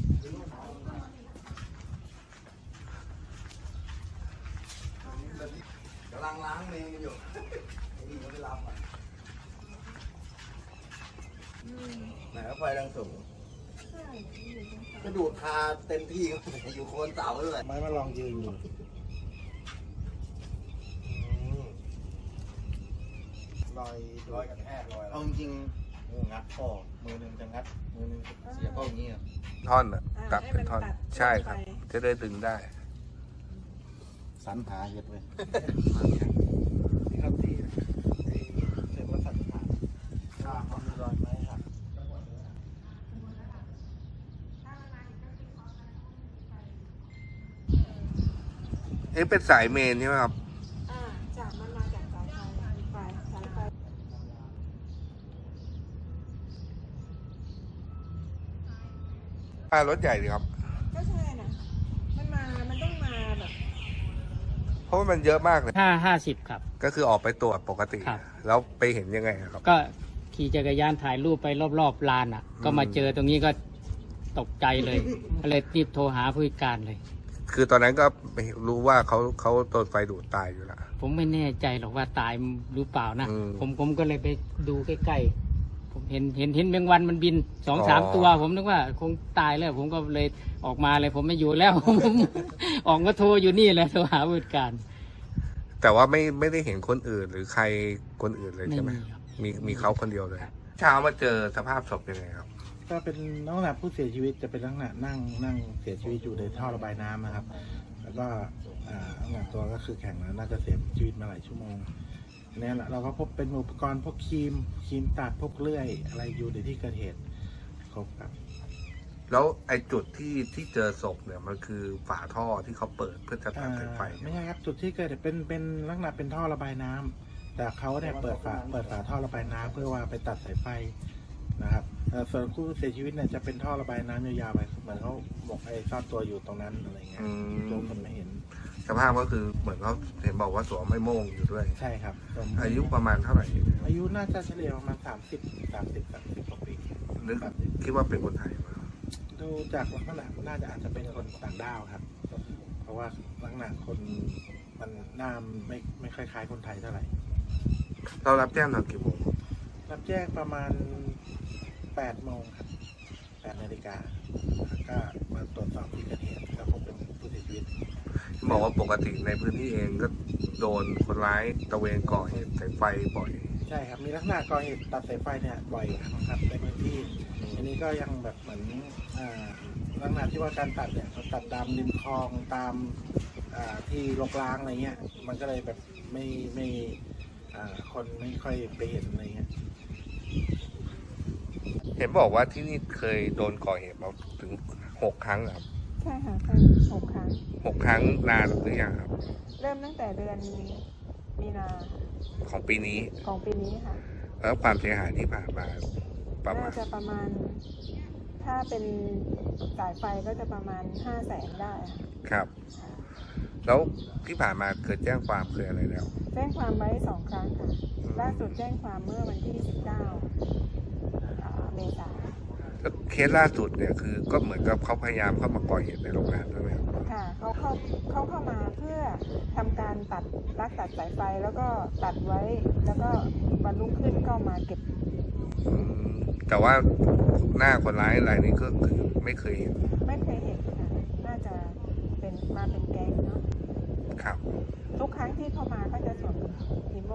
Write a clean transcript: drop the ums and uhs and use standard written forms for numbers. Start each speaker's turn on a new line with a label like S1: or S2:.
S1: กำลังล้างเมงอยู่นี่เขาไปรับอ่ะไหนก็ไฟแรงสูงกระดูดคาเต็มที่อยู่โคนเสาเลยไม้มาลองยืนอยู่ลอยกระแทกลอยเอาจริงๆงัดข้อมือหนึ่งจะงัดมือหนึ่งเสียข้ออย่างนี้
S2: ท่อนอ่ะตัดเป็นท่อนใช่ครับจะได้ดึงได้
S1: สันหาเห็ดเลยครับที่เสร็จแล้วสันหาความมีรอยไหมครับ
S2: เป็นสายเมนใช่ไหมครับ
S3: จากมันมาจากสายไฟสายไฟ
S2: รถใหญ่ดีครับ
S3: ก็ใช่นะมันต้องมาแบบ
S2: เพราะว่ามันเยอะมากเลย
S4: 50ครับ
S2: ก็คือออกไปตรวจปกติแล้วไปเห็นยังไงครับ
S4: ก็ขี่จักรยานถ่ายรูปไปรอบๆลานอ่ะก็มาเจอตรงนี้ก็ตกใจเลยก็เลยรีบโทรหาผู้จัดการเลย
S2: คือตอนนั้นก็รู้ว่าเขาโดนไฟดูดตายอยู่แล้ว
S4: ผมไม่แน่ใจหรอกว่าตายหรือเปล่านะผมก็เลยไปดูใกล้ๆผมเห็นแมงวันมันบิน2-3ตัวผมนึกว่าคงตายแล้วผมก็เลยออกมาเลยผมไม่อยู่แล้วผมออกมาโทรอยู่นี่แหละโทรหาผู้จัดการ
S2: แต่ว่าไม่ได้เห็นคนอื่นหรือใครคนอื่นเลยใช่ไหมมีเขาคนเดียวเลยเช้ามาเจอสภาพศพยังไงครับ
S1: ก็เป็นลักษณะผู้เสียชีวิตจะเป็นลักษณะนั่งเสียชีวิตอยู่ในท่อระบายน้ำนะครับแล้วก็ลักษณะตัวก็คือแข็งแล้วน่าจะเสียชีวิตมาหลายชั่วโมงเนี่ยแหละเราก็พบเป็นอุปกรณ์พวกครีมตัดพวกเลื่อยอะไรอยู่ในที่เกิดเหตุครบครับ
S2: แล้วไอ้จุดที่เจอศพเนี่ยมันคือฝาท่อที่เขาเปิดเพื่อจะตัดสายไฟ
S1: ไม่ใช่ครับจุดที่เกิดเป็นลักษณะเป็นท่อระบายน้ำแต่เขาเนี่ยเปิดฝาท่อระบายน้ำเพื่อว่าไปตัดสายไฟนะครับส่วนผู้เสียชีวิตเนี่ยจะเป็นท่อระบายน้ำยาวๆไปเหมือนเขาหมกซ่อนตัวอยู่ตรงนั้นอะไรเงี้ยโดนคนไม่เห็น
S2: สภาพก็คือเหมือนเขาเห็นบอกว่าสวมไม่โม่งอยู่ด้วย
S1: ใช่ครับ
S2: อายุประมาณเท่าไหร่
S1: อายุน่าจะเฉลี่ยประมาณ30กว่าปี
S2: นึกคิดว่าเป็นคนไทยไหม
S1: ดูจากลักษณะน่าจะอาจจะเป็นคนต่างด้าวครับเพราะว่าลักษณะคนมันหน้าไม่คล้ายๆคนไทยเท่าไหร่
S2: เรารับแจ้งตอนกี่โมง
S1: รับแจ้งประมาณ8 โมงครับ8 นาฬิกาก็มาตรวจสอบที่เกิดเหตุแล้วพบเป็นผู้เสียชีวิต
S2: บอกว่าปกติในพื้นที่เองก็โดนคนร้ายตะเวนก่อเหตุสายไฟบ่อย
S1: ใช่ครับมีลักษณะก่อเหตุตัดสายไฟเนี่ยบ่อยครับในพื้นที่อันนี้ก็ยังแบบเหมือนลักษณะที่ว่าการตัดเนี่ยเขาตัดตามริมคลองตามที่รกร้างอะไรเงี้ยมันก็เลยแบบไม่คนไม่ค่อยไปเห็นอะไรเงี้ย
S2: เห็นบอกว่าที่นี่เคยโดนก่อเหตุมาถึง6 ครั้งครับ
S3: ใช่ค่ะใช่6 ครั้ง
S2: 6 ครั้งนานหรือยังครับ
S3: เริ่มตั้งแต่เดือนมีนา
S2: ของปีนี้
S3: ค่ะ
S2: แล้วความเสียหายที่ผ่านมา
S3: น่าจะประมาณถ้าเป็นสายไฟก็จะประมาณ500,000ได้
S2: ครับแล้วที่ผ่านมาเคยแจ้งความเคยอะไรแล้ว
S3: แจ้งความไว้2 ครั้งค่ะล่าสุดแจ้งความเมื่อวันที่19 เมษายน
S2: เคสล่าสุดเนี่ยคือก็เหมือนกับเขาพยายามเข้ามาก่อเหตุในโรงงานใช่ไหม
S3: ค่ะเขาเข้ามาเพื่อทำการตัดสายไฟแล้วก็ตัดไว้แล้วก็วันรุ่งขึ้นก็มาเก็บ
S2: แต่ว่าหน้าคนร้ายรายนี้ก็คือไม่เคยเห็น
S3: ค่ะน่าจะเป็นแก๊งเนาะ
S2: ครับ
S3: ทุกครั้งที่เข้ามาก็จะสวม